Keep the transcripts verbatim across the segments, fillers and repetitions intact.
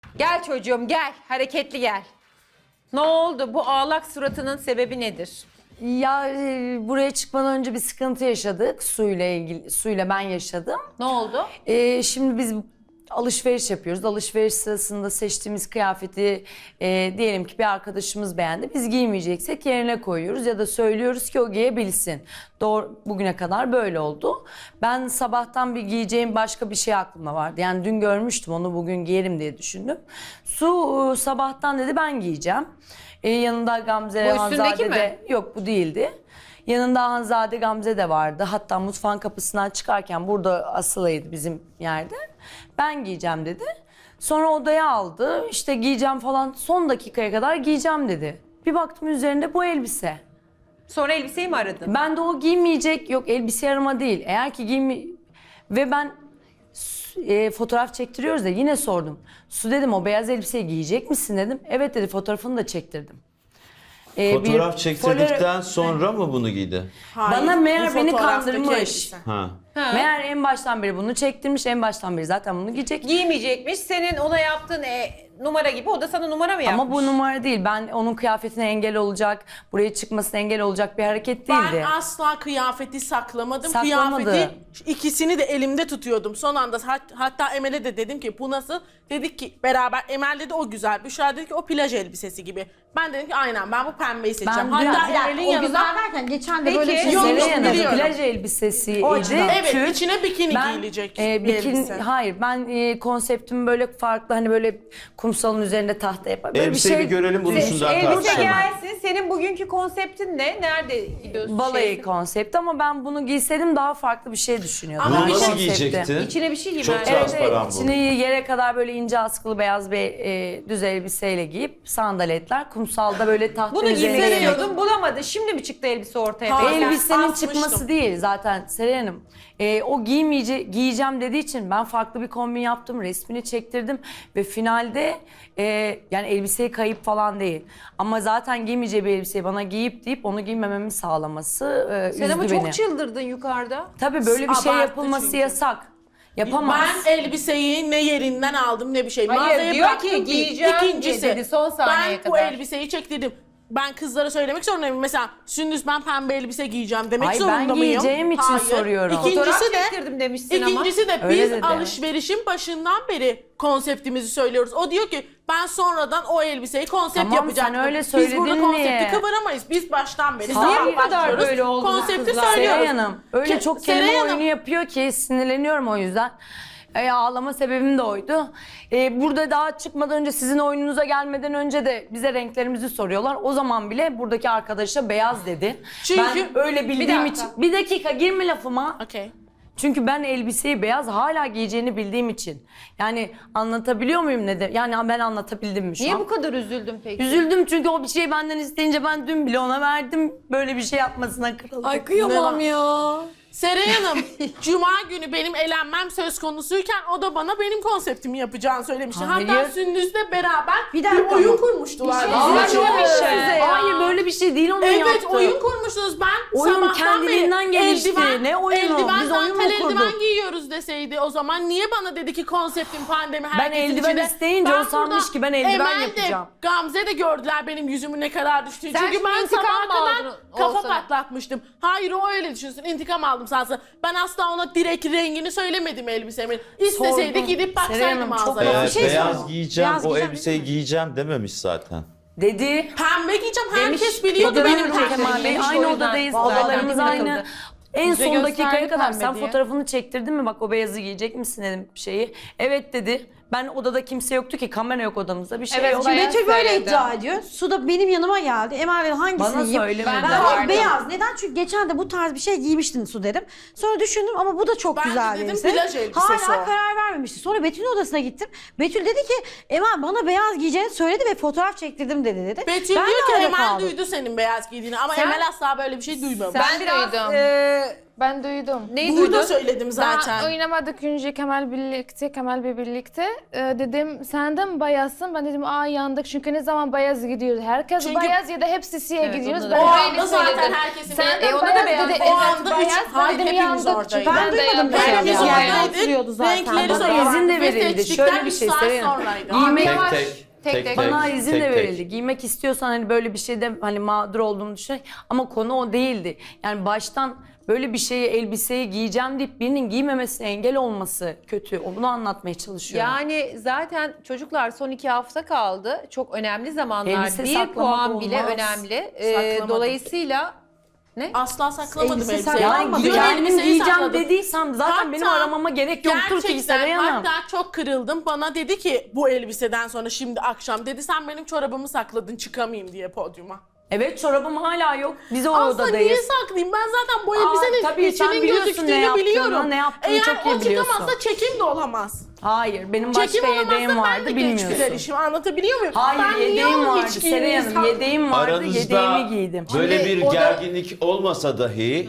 Gel çocuğum gel. Hareketli gel. Ne oldu? Bu ağlak suratının sebebi nedir? Ya e, buraya çıkmadan önce bir sıkıntı yaşadık. Suyla ilgili, suyla ben yaşadım. Ne oldu? E, şimdi biz alışveriş yapıyoruz. Alışveriş sırasında seçtiğimiz kıyafeti e, diyelim ki bir arkadaşımız beğendi. Biz giymeyeceksek yerine koyuyoruz ya da söylüyoruz ki o giyebilsin. Doğru, bugüne kadar böyle oldu. Ben sabahtan bir giyeceğim başka bir şey aklımda vardı. Yani dün görmüştüm onu, bugün giyerim diye düşündüm. Su e, sabahtan dedi ben giyeceğim. E, yanında Gamze, Bu üstündeki Hanzade mi? de yok, bu değildi. Yanında Hanzade, Gamze de vardı. Hatta mutfağın kapısından çıkarken burada asılıydı bizim yerde. Ben giyeceğim dedi. Sonra odaya aldı. İşte giyeceğim falan, son dakikaya kadar giyeceğim dedi. Bir baktım üzerinde bu elbise. Sonra elbiseyi mi aradın? Ben de o giymeyecek, yok elbise arama değil. Eğer ki giyme... Ve ben e, fotoğraf çektiriyoruz da yine sordum. Su dedim, o beyaz elbiseyi giyecek misin dedim. Evet dedi, fotoğrafını da çektirdim. E, Fotoğraf bir çektirdikten folyo- sonra mı bunu giydi? Hayır, Bana meğer bu beni fotoğraftaki kandırmış. elbise. Ha. Ha. Meğer en baştan beri bunu çektirmiş, en baştan beri zaten bunu giyecek. Giymeyecekmiş. Senin ona yaptığın e, numara gibi o da sana numara mı yapmış? Ama bu numara değil. Ben onun kıyafetine engel olacak, buraya çıkmasına engel olacak bir hareket değildi. Ben asla kıyafeti saklamadım. Saklamadı. Kıyafeti ikisini de elimde tutuyordum. Son anda hat- hatta Emel'e de dedim ki bu nasıl? Dedik ki beraber, Emel dedi o güzel. Büşra dedi ki o plaj elbisesi gibi. Ben dedim ki aynen ben bu pembeyi seçeceğim. Ben dün- Hatta Bir dakika, Emel'in o yanında güzel derken geçen de Peki. böyle bir şey Yok, Seray yok, Hanım, biliyorum. plaj elbisesiydi. O açıdan. Evet, Tül. içine bikini Ben, giyilecek e, bir bikini, elbise. hayır ben e, konseptimi böyle farklı, hani böyle kumsalın üzerinde tahta yapar. Böyle Elbiseyi bir bir şey. görelim, bunun üstünden Elbise tartışalım. gelsin. Senin bugünkü konseptin ne? Nerede gidiyorsun? Balayı Şey- konsepti ama ben bunu giyseydim daha farklı bir şey düşünüyordum. Ama Bunu Ben nasıl konsepti. giyecekti? İçine bir şey giy Çok bence. Evet, transparan evet. bu. İçini yere kadar böyle ince askılı beyaz bir e, düz elbiseyle giyip sandaletler, kumsalda böyle tahta Bunu üzerine giymek giymek. istiyordun, bulamadın. Şimdi mi çıktı elbise ortaya? Hayır. Peki? Elbisenin asmıştım. çıkması değil zaten Seray Hanım. Ee, o giymeyece giyeceğim dediği için ben farklı bir kombin yaptım, resmini çektirdim ve finalde e, yani elbiseyi kayıp falan değil. Ama zaten giymeyeceği bir elbiseyi bana giyip deyip onu giymememi sağlaması e, Sen üzdü ama beni. çok çıldırdın yukarıda. Tabii böyle bir şey Abarttı yapılması çünkü. yasak. Yapamaz. Ben elbiseyi ne yerinden aldım ne bir şey. Hayır, Mağazaya diyor bıraktım ki, ki, giyeceğim İkincisi, diye dedi son saniyeye ben bu kadar. elbiseyi çektirdim. Ben kızlara söylemek zorundayım. Mesela Sündüz ben pembe elbise giyeceğim demek Ay, ben zorunda mıyım? giyeceğim için soruyorum. Fotoğraf İkincisi de, çektirdim demişsin ama. ikincisi de Öyle biz dedi. alışverişin başından beri konseptimizi söylüyoruz. O diyor ki ben sonradan o elbiseyi konsept Tamam, yapacaktım. sen öyle Biz burada söyledin konsepti diye. kıvıramayız. Biz baştan beri Siz sabah niye bu kadar başlıyoruz, böyle oldunuz konsepti kızlar? söylüyoruz. Seray Hanım öyle Ke- çok Seray kelime Hanım, oyunu yapıyor ki sinirleniyorum o yüzden. E, ağlama sebebim de oydu. E, burada daha çıkmadan önce, sizin oyununuza gelmeden önce de bize renklerimizi soruyorlar. O zaman bile buradaki arkadaşa beyaz dedi. Çünkü- ben öyle bildiğim dakika. için. Bir dakika girme lafıma. Okey. Çünkü ben elbiseyi beyaz hala giyeceğini bildiğim için. Yani anlatabiliyor muyum ne de? Yani ben anlatabildim mi şu Niye an? bu kadar üzüldün peki? Üzüldüm çünkü o bir şeyi benden isteyince ben dün bile ona verdim. Böyle bir şey yapmasına kırıldım. Ay kıyamam Ne ya. Seray Hanım, Cuma günü benim elenmem söz konusuyken o da bana benim konseptimi yapacağını söylemişti. Hayır. Hatta Sündüz'le beraber Bir bir, dakika. oyun kurmuştular. Bir şey Vallahi söyleyeceğim. çok Size iyi. ya. Hayır böyle bir şey değil onun Evet, yaptığı. oyun kurmuşsunuz. Ben Oyun sabahtan kendiliğinden beri gelişti. eldiven, Ne oyunu? eldiven, Biz oyun mu dantel kurduk? eldiven giyiyoruz deseydi o zaman niye bana dedi ki konseptim pandemi herkesin eldiven içinde. isteyince o sanmış burada ki ben eldiven Emel de, yapacağım. Gamze de gördüler benim yüzümün ne kadar düştüğünü. Sen Çünkü şimdi ben intikam sabaha mı kadar aldın kafa Oğuzhan'a? patlatmıştım. Hayır o öyle düşünsün. İntikam aldım sansa. Ben asla ona direkt rengini söylemedim elbisemin. İsteseydi Sordum. gidip Seray baksaydım Hanım, çok mağazaya. Ee, Bir şey beyaz söyleyeyim. giyeceğim, Beyaz o giyeceğim elbiseyi değil mi? giyeceğim dememiş zaten. Dedi. Pembe giyeceğim. Demiş, Herkes biliyordu Dedi benim benim pembe Kemal Bey. giyeceğim. o Aynı yüzden. odadayız. Vallahi Odalarımız takıldı. aynı. En Bize son gösterdi dakikaya kadar pembe sen diye. fotoğrafını çektirdin mi? Bak o beyazı giyecek misin dedim şeyi. Evet dedi. Ben odada kimse yoktu ki, kamera yok odamızda, bir şey Evet, yok. bayağı Betül böyle söyledi. iddia ediyor. Su da benim yanıma geldi. Emel dedi hangisini Bana giyeyim? söylemedi. Ben Ben de de vardım. beyaz. Neden? Çünkü geçen de bu tarz bir şey giymiştin Su dedim. Sonra düşündüm ama bu da çok Ben de güzel bir dedim, elbise. plaj elbisesi Hala o. karar vermemişti. Sonra Betül'ün odasına gittim. Betül dedi ki Emel bana beyaz giyeceğini söyledi ve fotoğraf çektirdim dedi dedi. Betül Ben de diyor ki öyle Emel kaldım. duydu senin beyaz giydiğini ama Sen- Emel asla böyle bir şey duymamış. Sen Ben biraz duydum. e, Ben duydum. Neyi Burada duydun? söyledim zaten. Ben oynamadık önce Kemal birlikte, Kemal Bey birlikte. Ee, dedim sen de mi bayazsın? Ben dedim aa yandık çünkü ne zaman bayaz gidiyoruz. Herkes Çünkü- bayaz ya da hepsi siyah Evet, gidiyoruz. onu da- Ben O böyle anda zaten söyledim. herkesin Sen bir- de E, ona da bayaz beyaz dedi. dedi. O Evet anda bayaz. üç- Ben hayır, dedim hepimiz yandık. oradaydık. Çünkü Ben de duymadım yandım. bir şey. Hepimiz Yani. oradaydık. Oturuyordu zaten. Renkleri Bana zaten izin de ve verildi. seçtikten Şöyle bir üç şey saat söyleyeyim. sonraydı. Giymek- Tek Yavaş. tek. Tek tek tek. tek. Bana izin tek de tek. verildi. Giymek istiyorsan hani böyle bir şeyde hani mağdur olduğunu düşün. Ama konu o değildi. Yani baştan böyle bir şeyi, elbiseyi giyeceğim deyip birinin giymemesine engel olması kötü. Onu anlatmaya çalışıyorum. Yani zaten çocuklar son iki hafta kaldı. Çok önemli zamanlar. Elbise Bir saklamak puan bile olmaz. önemli. Ee, Saklamadım. dolayısıyla ne? Asla saklamadım Elbise elbiseyi. saklanmadı. yani Dün kendim elbiseyi giyeceğim sakladım. dediysem zaten Hatta benim aramama gerek yoktur ki Gerçekten Seray Hanım. hatta çok kırıldım. Bana dedi ki bu elbiseden sonra şimdi akşam dedi sen benim çorabımı sakladın çıkamayayım diye podyuma. Evet çorabım hala yok. Biz o Aslında odadayız. niye saklayayım? Ben zaten bu Aa, elbisenin tabii sen içinin biliyorsun ne gözüktüğünü yaptığını, biliyorum. ne yaptığını Eğer çok iyi o biliyorsun. çıkamazsa çekim de olamaz. Hayır benim başka Çekim olamazsa yedeğim ben vardı de geç gider bilmiyorsun. işim. Anlatabiliyor muyum? Hayır ben niye yedeğim onu vardı hiç Seray Hanım. giymiyorsam- Yedeğim vardı Aranızda yedeğimi giydim. böyle Şimdi bir o da- gerginlik olmasa dahi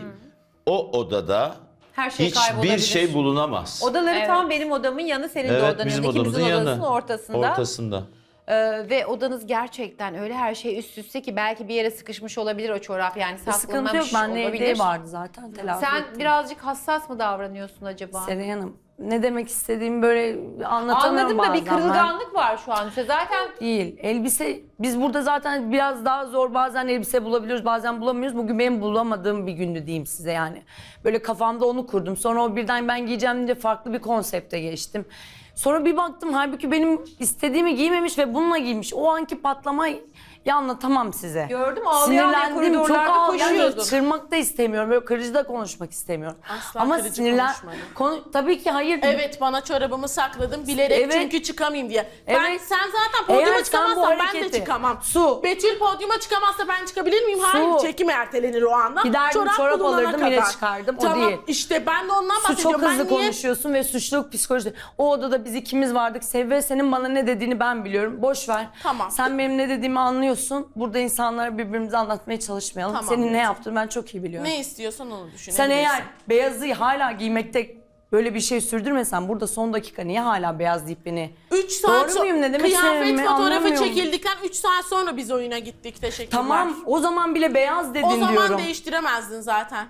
o odada Her şey hiçbir kaybolabilir. şey bulunamaz. Odaları Evet. tam benim odamın yanı, senin de Evet odanın bizim yanı. odamızın İkimizin yanı. odasının ortasında. Ortasında. Ee, ve odanız gerçekten öyle her şey üst üste ki belki bir yere sıkışmış olabilir o çorap, yani Sıkıntı yok. saklanmamış Bende olabilir. yedeği vardı zaten. Telafi Sen ettim. birazcık hassas mı davranıyorsun acaba? Seray Hanım ne demek istediğimi böyle anlatamıyorum Anladım da bir bazen ben. kırılganlık var şu an. İşte zaten Değil. Elbise biz burada zaten biraz daha zor bazen elbise bulabiliyoruz bazen bulamıyoruz. Bugün benim bulamadığım bir gündü diyeyim size yani. Böyle kafamda onu kurdum. Sonra o birden ben giyeceğim deyince farklı bir konsepte geçtim. Sonra bir baktım halbuki benim istediğimi giymemiş ve bununla giymiş. O anki patlamayı anlatamam size. gördüm, ağlayan bir Sinirlendim, çok koridorlarda ağlayan, koşuyordun. kırmak da istemiyorum. Böyle kırıcı da konuşmak istemiyorum. Asla Ama kırıcı sinirlen... konuşmadım. Konu... Tabii ki hayır. Evet bana çorabımı sakladım bilerek Evet. çünkü çıkamayayım diye. Ben Evet. sen zaten Eğer podyuma sen bu çıkamazsan ben de hareketi- çıkamam. Su. Betül podyuma çıkamazsa ben çıkabilir miyim? Hayır Su. çekim ertelenir o anda. Giderdim, çorap bulunana alırdım, yine çıkardım. O Tamam değil. işte ben de ondan Su bahsediyorum. çok Ben hızlı niye- konuşuyorsun ve suçluluk psikolojisi. O odada biz ikimiz vardık. Sevve senin bana ne dediğini ben biliyorum. Boş ver. Tamam. Sen benim ne dediğimi anlıyorsun. Burada insanlara birbirimize anlatmaya çalışmayalım. Tamam, Senin ne lütfen. yaptığını ben çok iyi biliyorum. Ne istiyorsan onu düşün. Sen eğer beyazı hala giymekte böyle bir şey sürdürmesen burada son dakika niye hala beyaz deyip beni... üç saat Doğru muyum? Ne demek kıyafet istediğimi fotoğrafı anlamıyorum. çekildikten üç saat sonra biz oyuna gittik. Teşekkürler. Tamam o zaman bile beyaz dedin O zaman diyorum. değiştiremezdin zaten.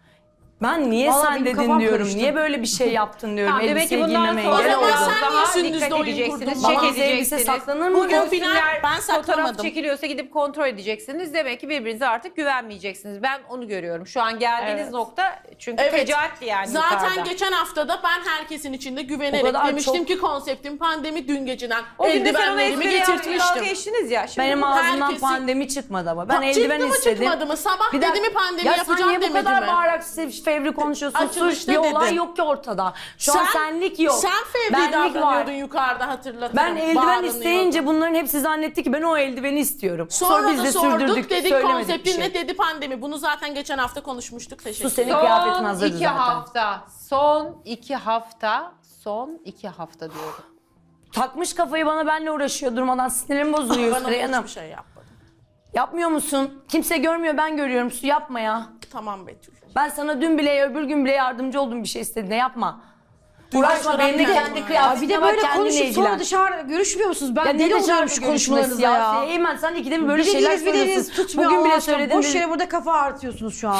Ben niye Vallahi sen benim dedin kafam diyorum. karıştı. Niye böyle bir şey yaptın diyorum. Tamam, demek ki Elbiseyi bundan giymeme sonra engel O zaman oldum. sen daha niye sündüzde dikkat oyun edeceksiniz, kurdun? çek Babam elbise edeceksiniz. saklanır mı? Bugün O final günler ben fotoğraf saklamadım. çekiliyorsa gidip kontrol edeceksiniz. Demek ki birbirinize artık güvenmeyeceksiniz. Ben onu görüyorum. Şu an geldiğiniz Evet. nokta çünkü Evet. fecaatti yani Zaten yukarıda. geçen haftada ben herkesin içinde O güvenerek kadar demiştim çok- ki konseptim pandemi dün geceden O gün de sen ona eldivenlerimi espri yaptın, getirtmiştim. dalga geçtiniz ya. Şimdi Benim bu- ağzımdan herkesi- pandemi çıkmadı ama. Ben Pa- eldiven çıktı mı, istedim. çıkmadı mı? Sabah Bir dedi dakika- mi pandemi ya yapacağım sen niye bu demedi kadar mi? bağırarak sev- fevri konuşuyorsun? Açılışta Suç bir olay dedim. yok ki ortada. Şu an senlik yok. Sen fevri Benlik davranıyordun var. yukarıda hatırlatırım. Ben eldiven Bağırınıyordun. isteyince bunların hepsi zannetti ki ben o eldiveni istiyorum. Sonra, biz da de sorduk sürdürdük, dedik söylemedik bir konseptin şey. ne dedi pandemi. Bunu zaten geçen hafta konuşmuştuk. Teşekkür Su senin ederim. kıyafetin Son hazırdı iki zaten. hafta. Son iki hafta. Son iki hafta diyorum. Takmış kafayı bana benle uğraşıyor durmadan sinirim bozuluyor Bana Süreyya Hanım. hiçbir şey yapmadım. Yapmıyor musun? Kimse görmüyor ben görüyorum. Su yapma ya. Tamam Betül. Ben sana dün bile öbür gün bile yardımcı oldum bir şey istediğinde yapma. Dün Uğraşma çorap benimle geldi kendi bana. Ya kıyafetine bir de bak böyle kendine konuşup ilgilen. sonra dışarı görüşmüyor musunuz? Ben Ya ne deli dışarı oluyorum şu görüşmesi konuşmalarınıza ya? ya. Eymen sen ikide bir böyle Bir şeyler dediğiniz bir dediğiniz söylüyorsun. tutmuyor Bugün bile Allah aşkına. söyledin. Boş dedi- yere burada kafa artıyorsunuz şu an.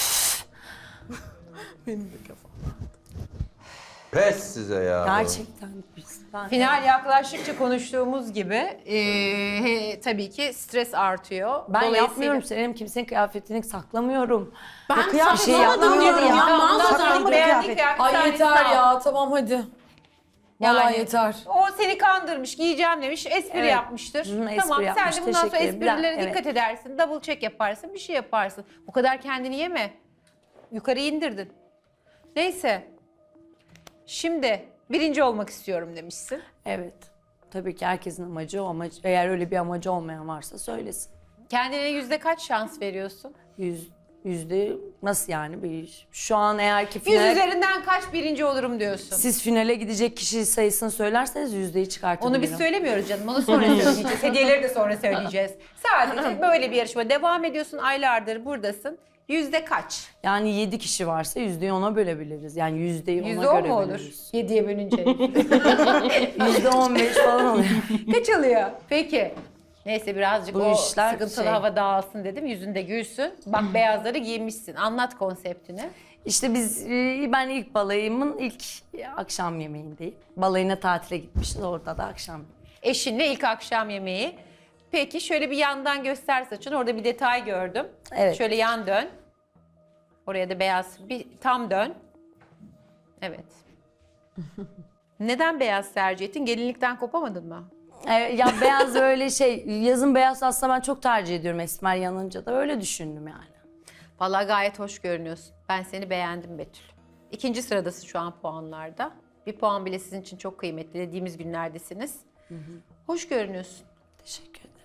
Benim de kafam. Pes size ya. Gerçekten biz. Ben- Final yaklaştıkça konuştuğumuz gibi e, he, tabii ki stres artıyor. Ben Dolayısıyla- yapmıyorum Senem kimsenin kıyafetini saklamıyorum. Ben Ya kıyafet saklamadım şey yapmıyorum diyorum ya. ya. Tamam, Mağazadan tamam, beğendik kıyafet. ya. Ay Bir yeter tanesini al. ya tamam hadi. Vallahi Yani yeter. O seni kandırmış, giyeceğim demiş, espri Evet. yapmıştır. Hı, espri tamam yapmış, sen de bundan sonra teşekkür ederim. esprilere Evet. dikkat edersin, double check yaparsın, bir şey yaparsın. Bu kadar kendini yeme. Yukarı indirdin. Neyse. Şimdi birinci olmak istiyorum demişsin. Evet. Tabii ki herkesin amacı o amaç. Eğer öyle bir amacı olmayan varsa söylesin. Kendine yüzde kaç şans veriyorsun? Yüz, yüzde nasıl yani bir iş? Şu an eğer ki Yüz final, üzerinden kaç birinci olurum diyorsun? siz finale gidecek kişi sayısını söylerseniz yüzdeyi çıkartabilirim. Onu biz söylemiyoruz canım. Onu sonra söyleyeceğiz. Hediyeleri de sonra söyleyeceğiz. Sadece böyle bir yarışma. Devam ediyorsun. Aylardır buradasın. Yüzde kaç? Yani yedi kişi varsa yüzdeyi ona bölebiliriz. Yani yüzdeyi ona Yüzde on göre mu olur? bölürüz. Yediye bölünce. Yüzde on beş falan oluyor. Kaç alıyor? Peki. Neyse birazcık Bu o işler sıkıntılı şey- hava dağılsın dedim. Yüzünde gülsün. Bak beyazları giymişsin. Anlat konseptini. İşte biz, e, ben ilk balayımın ilk akşam yemeğindeyim. Balayına tatile gitmişiz, orada da akşam. Eşinle ilk akşam yemeği. Peki şöyle bir yandan göster saçını. Orada bir detay gördüm. Evet. Şöyle yan dön. Oraya da beyaz. Bir tam dön. Evet. Neden beyaz tercih ettin? Gelinlikten kopamadın mı? E, ya beyaz öyle şey, yazın beyaz aslında ben çok tercih ediyorum esmer yanınca da, öyle düşündüm yani. Vallahi gayet hoş görünüyorsun. Ben seni beğendim Betül. İkinci sıradasın şu an puanlarda. Bir puan bile sizin için çok kıymetli. Dediğimiz günlerdesiniz. Hoş görünüyorsun. Teşekkür ederim.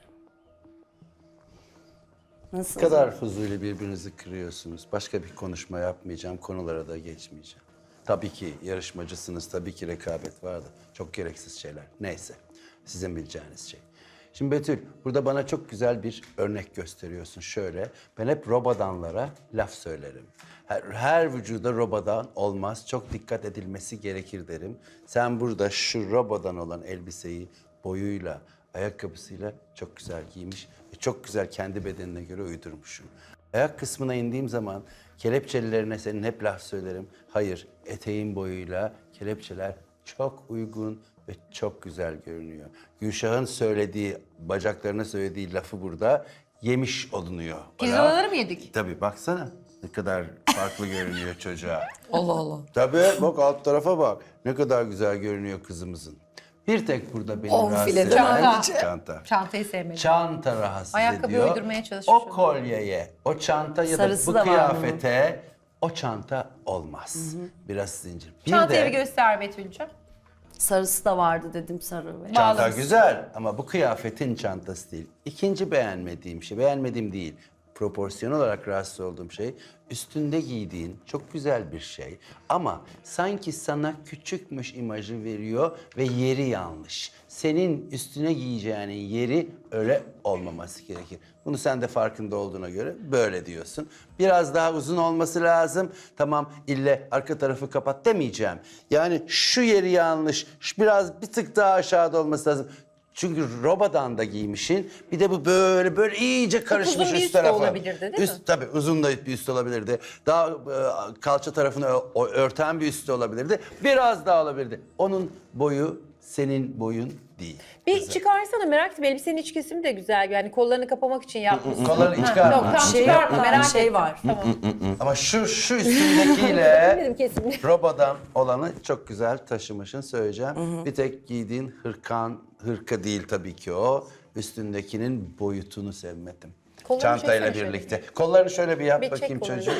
Ne Nasıl? kadar fuzuli birbirinizi kırıyorsunuz. Başka bir konuşma yapmayacağım, konulara da geçmeyeceğim. Tabii ki yarışmacısınız, tabii ki rekabet vardı. Çok gereksiz şeyler. Neyse, sizin bileceğiniz şey. Şimdi Betül, burada bana çok güzel bir örnek gösteriyorsun. Şöyle, ben hep robadanlara laf söylerim. Her, her vücuda robadan olmaz, çok dikkat edilmesi gerekir derim. Sen burada şu robadan olan elbiseyi boyuyla, ayakkabısıyla çok güzel giymiş ve çok güzel kendi bedenine göre uydurmuşsun. Ayak kısmına indiğim zaman kelepçelilerine senin hep laf söylerim. Hayır, eteğin boyuyla kelepçeler çok uygun ve çok güzel görünüyor. Gülşah'ın söylediği, bacaklarına söylediği lafı burada yemiş olunuyor. Pirzolaları mı yedik? Tabii baksana ne kadar farklı görünüyor çocuğa. Allah Allah. Tabii bak alt tarafa bak. Ne kadar güzel görünüyor kızımızın. Bir tek burada beni On rahatsız filede eden çanta. çanta. Çantayı sevmedim. Çanta rahatsız Ayakkabı ediyor. uydurmaya çalışmış O kolyeye, o çanta ya da Sarısı bu da var kıyafete o çanta olmaz. Biraz zincir. Bir Çantayı de bir göster Betül'cüğüm. Sarısı da vardı dedim, sarı ve... çanta Bağlamışsın. güzel ama bu kıyafetin çantası değil. İkinci beğenmediğim şey, beğenmediğim değil. Proporsiyon olarak rahatsız olduğum şey, üstünde giydiğin çok güzel bir şey ama sanki sana küçükmüş imajı veriyor ve yeri yanlış. Senin üstüne giyeceğinin yeri öyle olmaması gerekir. Bunu sen de farkında olduğuna göre böyle diyorsun. Biraz daha uzun olması lazım. Tamam, ille arka tarafı kapat demeyeceğim. Yani şu yeri yanlış, şu biraz bir tık daha aşağıda olması lazım. Çünkü robadan da giymişin. Bir de bu böyle böyle iyice karışmış uzun bir üst üst de tarafa. olabilirdi, değil mi? Üst, tabii uzun da bir üst olabilirdi. Daha e, kalça tarafını ö- o- örten bir üst de olabilirdi. Biraz daha olabilirdi. Onun boyu senin boyun değil. Bir çıkarsana, merak ettim. Elbisenin iç kesimi de güzel. Yani kollarını kapamak için yapmışsın. Kollarını Ha, çıkarma. Yok tam Şey çıkarma, yok, merak bir şey ettim. var. Tamam. Ama şu şu üstündekiyle Dedim kesin. robadan olanı çok güzel taşımışın söyleyeceğim. Bir tek giydiğin hırkan, hırka değil tabii ki o. Üstündekinin boyutunu sevmedim. Kollarını Çantayla çeksene birlikte. Kollarını şöyle bir yap Bir çek bakayım kollarını. çocuğum.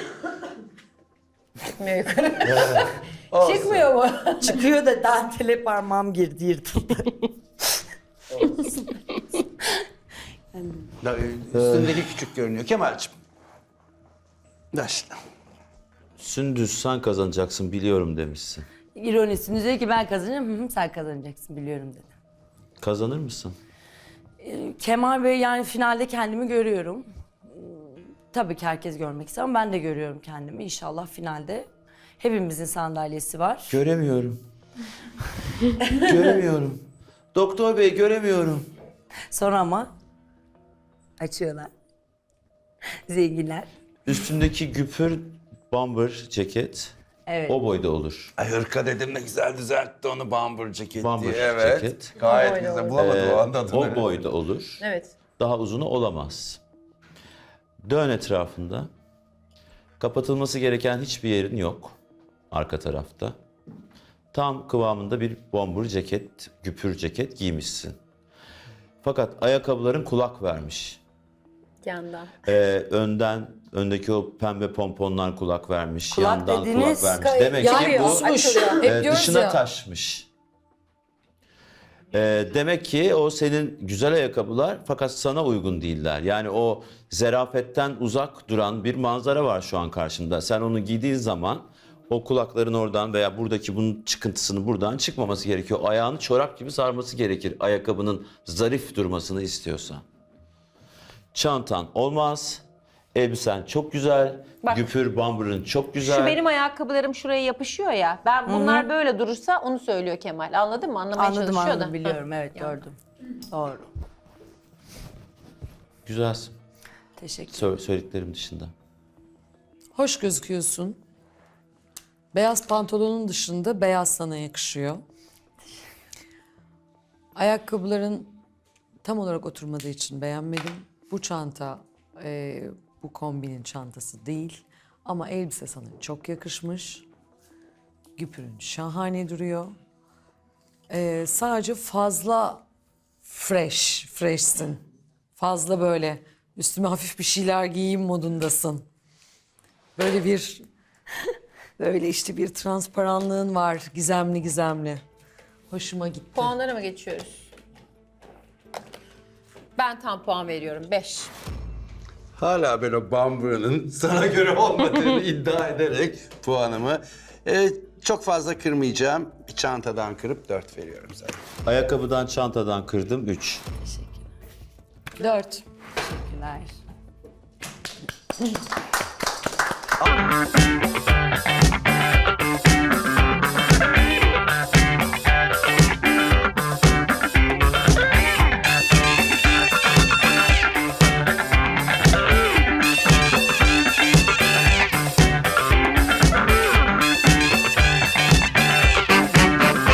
Çıkmıyor yukarı. Olsun. Çıkmıyor mu? Çıkıyor da dantele parmağım girdi, yırtıldı. Da, e, Üstündeki küçük görünüyor. Kemal'cim. Başla. Sündüz sen kazanacaksın biliyorum demişsin. İronisini diyor ki ben kazanacağım, hı hı, sen kazanacaksın biliyorum dedi. Kazanır mısın? Kemal Bey, yani finalde kendimi görüyorum. Tabii ki herkes görmek ister ama ben de görüyorum kendimi. İnşallah finalde hepimizin sandalyesi var. Göremiyorum. Göremiyorum. Doktor bey göremiyorum. Sonra ama açıyorlar. Zenginler. Üstündeki güpür bomber ceket Evet. o boyda olur. Ay hırka dedim ne güzel düzeltti onu bambur ceket Bambur diye. Evet. ceket. Gayet O boyda güzel. olur. Bulamadım Ee, o anda adını. o boyda olur. Evet. Daha uzunu olamaz. Dön etrafında. Kapatılması gereken hiçbir yerin yok. Arka tarafta. Tam kıvamında bir bombur ceket, güpür ceket giymişsin. Fakat ayakkabıların kulak vermiş. Yandan. Ee, önden, öndeki o pembe pomponlar kulak vermiş. Kulak yandan dediğiniz- kulak vermiş. Demek ki Yani bu uçmuş. e, Hep diyoruz dışına ya. taşmış. Ee, demek ki o senin güzel ayakkabılar fakat sana uygun değiller. Yani o zerafetten uzak duran bir manzara var şu an karşında. Sen onu giydiğin zaman o kulakların oradan veya buradaki bunun çıkıntısının buradan çıkmaması gerekiyor. Ayağını çorap gibi sarması gerekir ayakkabının zarif durmasını istiyorsan. Çantan olmaz. Elbisen çok güzel. Bak. Güpür bamburun çok güzel. Şu benim ayakkabılarım şuraya yapışıyor ya. Ben bunlar böyle durursa onu söylüyor Kemal. Anladın mı? Anlamaya Anladım çalışıyor anladım da. biliyorum evet gördüm. Doğru. Güzelsin. Teşekkür Sö- söylediklerim dışında. Hoş gözüküyorsun. Beyaz pantolonun dışında beyaz sana yakışıyor. Ayakkabıların tam olarak oturmadığı için beğenmedim. Bu çanta e, bu kombinin çantası değil. Ama elbise sana çok yakışmış. Güpürün şahane duruyor. E, sadece fazla fresh, freshsin. Fazla böyle üstüme hafif bir şeyler giyeyim modundasın. Böyle bir böyle işte bir transparanlığın var gizemli gizemli. Hoşuma gitti. Puanlara mı geçiyoruz? Ben tam puan veriyorum. beş. Hala ben o bambuğunun sana göre olmadığını iddia ederek puanımı e, çok fazla kırmayacağım. Bir çantadan kırıp dört veriyorum sana. Ayakkabıdan, çantadan kırdım üç. Dört. teşekkürler.